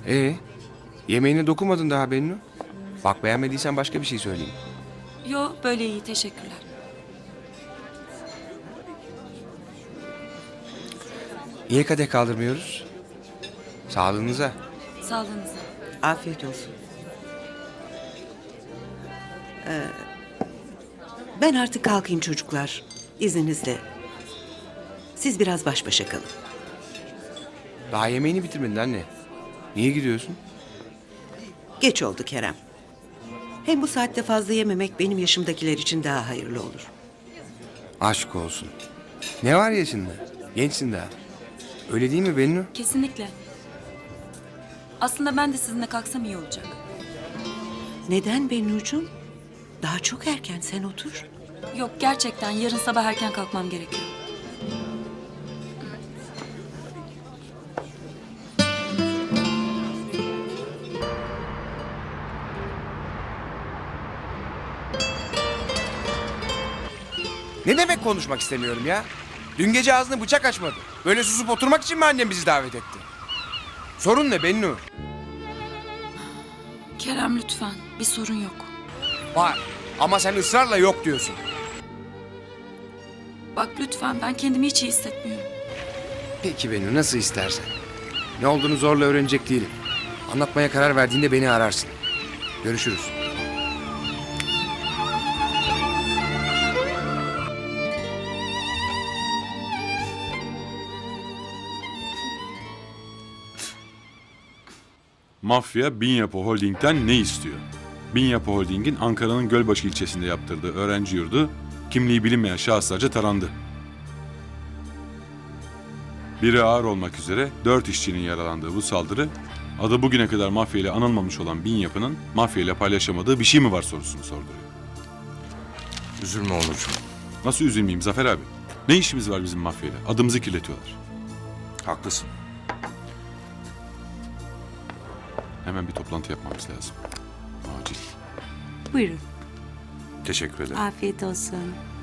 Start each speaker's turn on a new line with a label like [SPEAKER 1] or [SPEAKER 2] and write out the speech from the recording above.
[SPEAKER 1] Yemeğine dokunmadın daha Bennu. Bak beğenmediysen başka bir şey söyleyeyim.
[SPEAKER 2] Yo, böyle iyi, teşekkürler.
[SPEAKER 1] Niye kadeh kaldırmıyoruz? Sağlığınıza.
[SPEAKER 2] Sağlığınıza.
[SPEAKER 3] Afiyet olsun. Ben artık kalkayım çocuklar. İzninizle. Siz biraz baş başa kalın.
[SPEAKER 1] Daha yemeğini bitirmedin anne. Niye gidiyorsun?
[SPEAKER 3] Geç oldu Kerem. Hem bu saatte fazla yememek benim yaşımdakiler için daha hayırlı olur.
[SPEAKER 1] Aşk olsun. Ne var yaşında? Gençsin daha. Öyle değil mi Bennu?
[SPEAKER 2] Kesinlikle. Aslında ben de sizinle kalksam iyi olacak.
[SPEAKER 3] Neden Bennucuğum? Daha çok erken, sen otur.
[SPEAKER 2] Yok, gerçekten yarın sabah erken kalkmam gerekiyor.
[SPEAKER 1] Ne demek konuşmak istemiyorum ya? Dün gece ağzını bıçak açmadı. Böyle susup oturmak için mi annem bizi davet etti? Sorun ne Bennu?
[SPEAKER 2] Kerem lütfen, bir sorun yok.
[SPEAKER 1] Var. Ama sen ısrarla yok diyorsun.
[SPEAKER 2] Bak lütfen, ben kendimi hiç iyi hissetmiyorum.
[SPEAKER 1] Peki Bennu, nasıl istersen. Ne olduğunu zorla öğrenecek değilim. Anlatmaya karar verdiğinde beni ararsın. Görüşürüz.
[SPEAKER 4] Mafya Binyapı Holding'den ne istiyor? Binyapı Holding'in Ankara'nın Gölbaşı ilçesinde yaptırdığı öğrenci yurdu kimliği bilinmeyen şahıslarca tarandı. Biri ağır olmak üzere 4 işçinin yaralandığı bu saldırı, adı bugüne kadar mafya ile anılmamış olan Binyapı'nın mafya ile paylaşamadığı bir şey mi var sorusunu sorduruyor.
[SPEAKER 5] Üzülme Onurcuğum.
[SPEAKER 4] Nasıl üzülmeyeyim Zafer abi? Ne işimiz var bizim mafyayla? Adımızı kirletiyorlar.
[SPEAKER 5] Haklısın.
[SPEAKER 4] Hemen bir toplantı yapmamız lazım. Acil.
[SPEAKER 3] Buyurun.
[SPEAKER 5] Teşekkür ederim.
[SPEAKER 3] Afiyet olsun.